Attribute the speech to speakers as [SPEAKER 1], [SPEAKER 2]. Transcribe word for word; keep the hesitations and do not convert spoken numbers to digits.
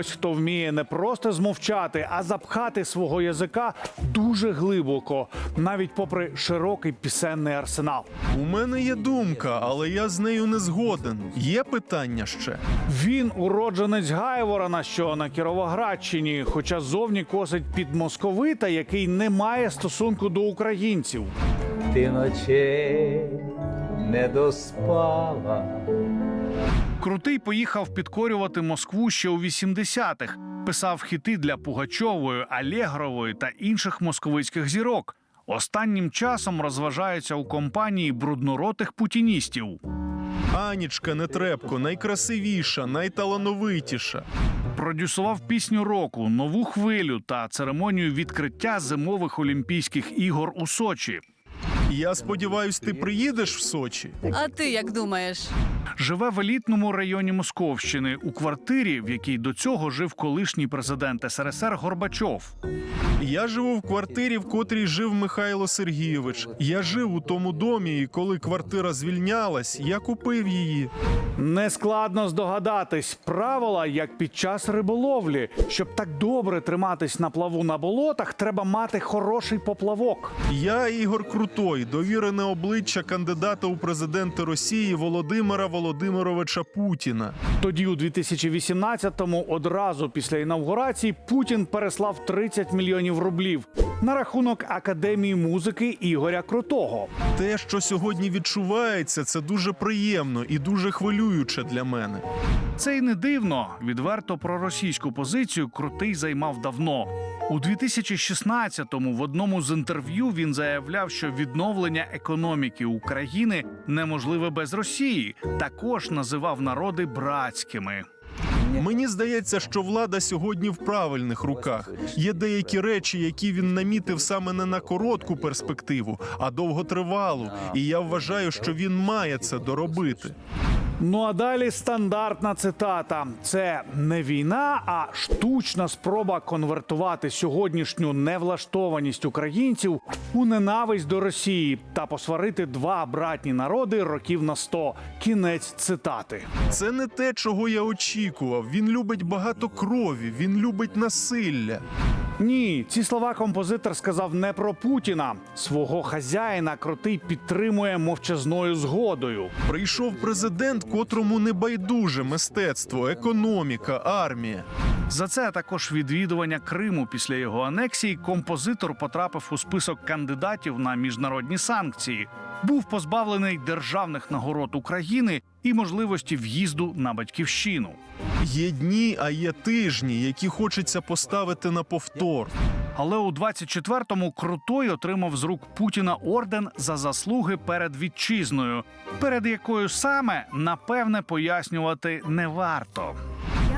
[SPEAKER 1] Хто вміє не просто змовчати, а запхати свого язика дуже глибоко, навіть попри широкий пісенний арсенал.
[SPEAKER 2] У мене є думка, але я з нею не згоден. Є питання ще?
[SPEAKER 1] Він уродженець Гайворона, що на Кіровоградщині, хоча зовні косить під московита, який не має стосунку до українців.
[SPEAKER 3] Ти ночей не доспала.
[SPEAKER 1] Крутий поїхав підкорювати Москву ще у вісімдесятих. Писав хіти для Пугачової, Алєгрової та інших московицьких зірок. Останнім часом розважається у компанії брудноротих путіністів.
[SPEAKER 2] Анічка Нетребко найкрасивіша, найталановитіша.
[SPEAKER 1] Продюсував пісню року, нову хвилю та церемонію відкриття зимових Олімпійських ігор у Сочі.
[SPEAKER 2] Я сподіваюсь, ти приїдеш в Сочі?
[SPEAKER 4] А ти як думаєш?
[SPEAKER 1] Живе в елітному районі Московщини, у квартирі, в якій до цього жив колишній президент ес ер ес ер Горбачов.
[SPEAKER 2] Я живу в квартирі, в котрій жив Михайло Сергійович. Я жив у тому домі, і коли квартира звільнялась, я купив її.
[SPEAKER 1] Нескладно здогадатись, правила, як під час риболовлі. Щоб так добре триматись на плаву на болотах, треба мати хороший поплавок.
[SPEAKER 2] Я Ігор Крутой, довірене обличчя кандидата у президенти Росії Володимира Володимировича Путіна.
[SPEAKER 1] Тоді, у дві тисячі вісімнадцятому, одразу після інавгурації, Путін переслав тридцять мільйонів рублів на рахунок Академії музики Ігоря Крутого.
[SPEAKER 2] Те, що сьогодні відчувається, це дуже приємно і дуже хвилююче для мене.
[SPEAKER 1] Це й не дивно. Відверто проросійську позицію Крутий займав давно. У дві тисячі шістнадцятому в одному з інтерв'ю він заявляв, що відновлення економіки України неможливе без Росії. Також називав народи братськими.
[SPEAKER 2] Мені здається, що влада сьогодні в правильних руках. Є деякі речі, які він намітив саме не на коротку перспективу, а довготривалу. І я вважаю, що він має це доробити.
[SPEAKER 1] Ну а далі стандартна цитата. Це не війна, а штучна спроба конвертувати сьогоднішню невлаштованість українців у ненависть до Росії та посварити два братні народи років на сто. Кінець цитати.
[SPEAKER 2] Це не те, чого я очікував. Він любить багато крові, він любить насилля.
[SPEAKER 1] Ні, ці слова композитор сказав не про Путіна. Свого хазяїна Крутий підтримує мовчазною згодою.
[SPEAKER 2] Прийшов президент, котрому не байдуже мистецтво, економіка, армія.
[SPEAKER 1] За це також відвідування Криму після його анексії композитор потрапив у список кандидатів на міжнародні санкції. Був позбавлений державних нагород України і можливості в'їзду на батьківщину.
[SPEAKER 2] Є дні, а є тижні, які хочеться поставити на повтор.
[SPEAKER 1] Але у двадцять четвертому Крутой отримав з рук Путіна орден за заслуги перед вітчизною, перед якою саме, напевне, пояснювати не варто.